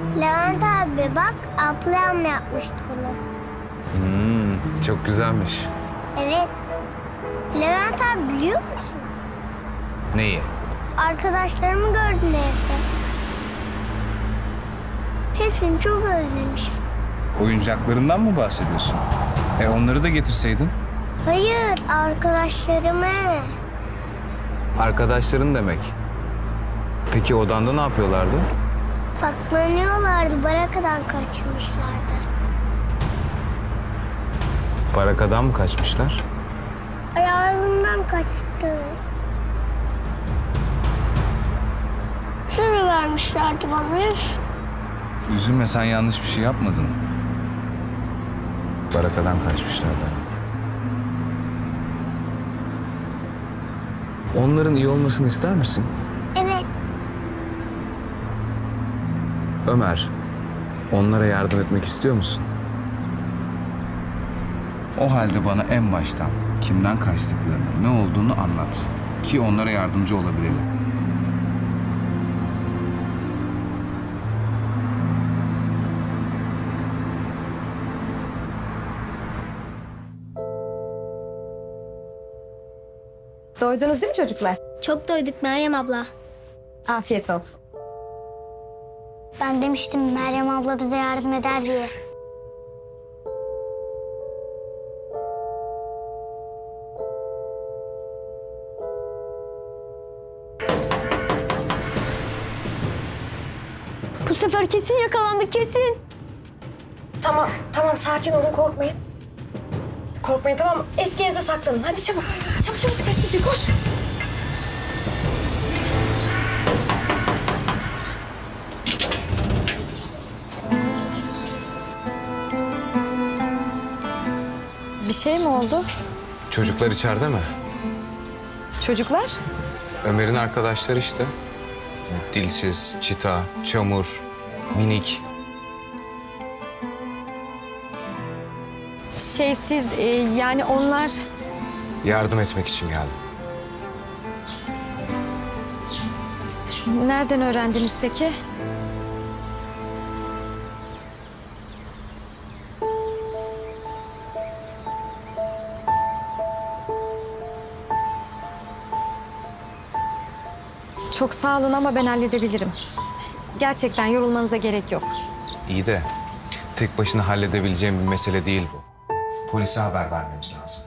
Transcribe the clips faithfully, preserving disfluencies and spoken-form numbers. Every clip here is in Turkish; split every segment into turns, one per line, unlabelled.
Levent abi bak, ablam yapmıştı bunu.
Hmm, çok güzelmiş.
Evet. Levent abi biliyor musun?
Neyi?
Arkadaşlarımı gördüm evde. Hepsini çok özlemişim.
Oyuncaklarından mı bahsediyorsun? E onları da getirseydin.
Hayır, arkadaşlarımı.
Arkadaşların demek. Peki odanda ne yapıyorlardı?
Saklanıyorlardı, barakadan kaçmışlardı.
Barakadan mı kaçmışlar?
Ayağımdan kaçtı. Sürü vermişlerdi bana.
Üzülme, sen yanlış bir şey yapmadın. Barakadan kaçmışlardı. Onların iyi olmasını ister misin?
Evet.
Ömer, onlara yardım etmek istiyor musun? O halde bana en baştan kimden kaçtıklarını, ne olduğunu anlat. Ki onlara yardımcı olabilelim.
Doydunuz değil mi çocuklar?
Çok doyduk Meryem abla.
Afiyet olsun.
Ben demiştim Meryem abla bize yardım eder diye.
Bu sefer kesin yakalandık, kesin.
Tamam, tamam sakin olun, korkmayın. Korkmayın, tamam. Eski yerinize saklanın. Hadi çabuk. Çabuk çabuk sessizce koş. Bir şey mi oldu?
Çocuklar içeride mi?
Çocuklar?
Ömer'in arkadaşları işte. Dilsiz, Çita, Çamur, Minik.
Şey siz e, yani onlar...
Yardım etmek için geldim.
Nereden öğrendiniz peki? Çok sağ olun ama ben halledebilirim. Gerçekten yorulmanıza gerek yok.
İyi de tek başına halledebileceğim bir mesele değil bu. Polise haber vermemiz lazım.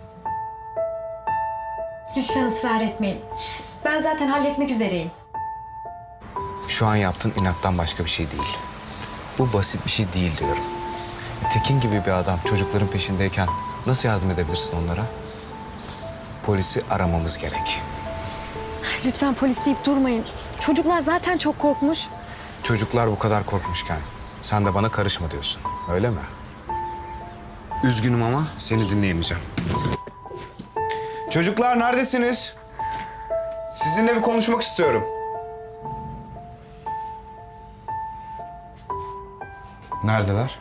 Lütfen ısrar etmeyin. Ben zaten halletmek üzereyim.
Şu an yaptığın inattan başka bir şey değil. Bu basit bir şey değil diyorum. E, Tekin gibi bir adam çocukların peşindeyken nasıl yardım edebilirsin onlara? Polisi aramamız gerek.
Lütfen polis deyip durmayın. Çocuklar zaten çok korkmuş.
Çocuklar bu kadar korkmuşken sen de bana karışma diyorsun. Öyle mi? Üzgünüm ama seni dinleyemeyeceğim. Çocuklar neredesiniz? Sizinle bir konuşmak istiyorum. Neredeler?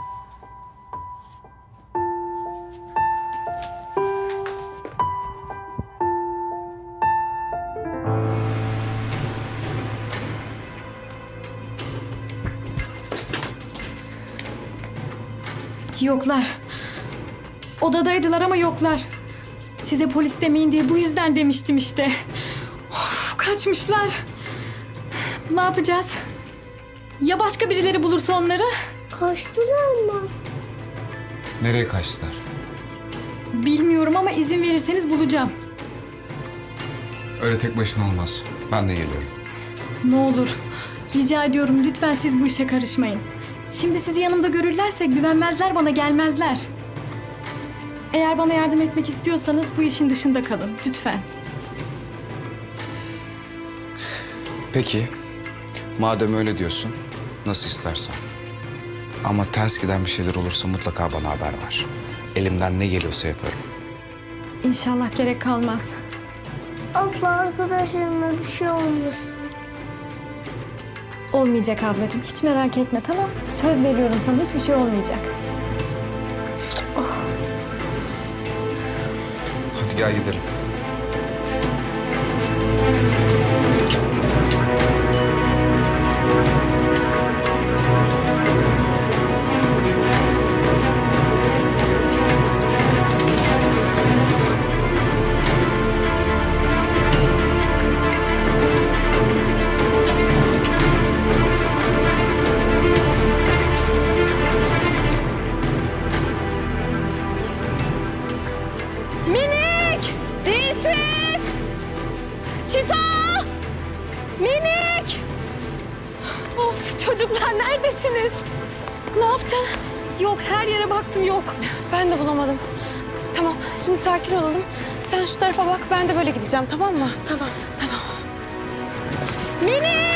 Yoklar. Odadaydılar ama yoklar. Size polis demeyin diye bu yüzden demiştim işte. Of, kaçmışlar. Ne yapacağız? Ya başka birileri bulursa onları?
Kaçtılar mı?
Nereye kaçtılar?
Bilmiyorum ama izin verirseniz bulacağım.
Öyle tek başına olmaz. Ben de geliyorum.
Ne olur. Rica ediyorum lütfen siz bu işe karışmayın. Şimdi sizi yanımda görürlerse güvenmezler, bana gelmezler. Eğer bana yardım etmek istiyorsanız bu işin dışında kalın lütfen.
Peki. Madem öyle diyorsun, nasıl istersen. Ama ters giden bir şeyler olursa mutlaka bana haber ver. Elimden ne geliyorsa yaparım.
İnşallah gerek kalmaz.
Abla arkadaşlarıma bir şey olmasın.
Olmayacak ablacığım. Hiç merak etme, tamam? Söz veriyorum sana, hiçbir şey olmayacak.
Hadi gel gidelim.
Çocuklar neredesiniz?
Ne yaptın? Yok, her yere baktım, yok. Ben de bulamadım. Tamam, şimdi sakin olalım. Sen şu tarafa bak, ben de böyle gideceğim, tamam mı? Tamam. Tamam.
Mine!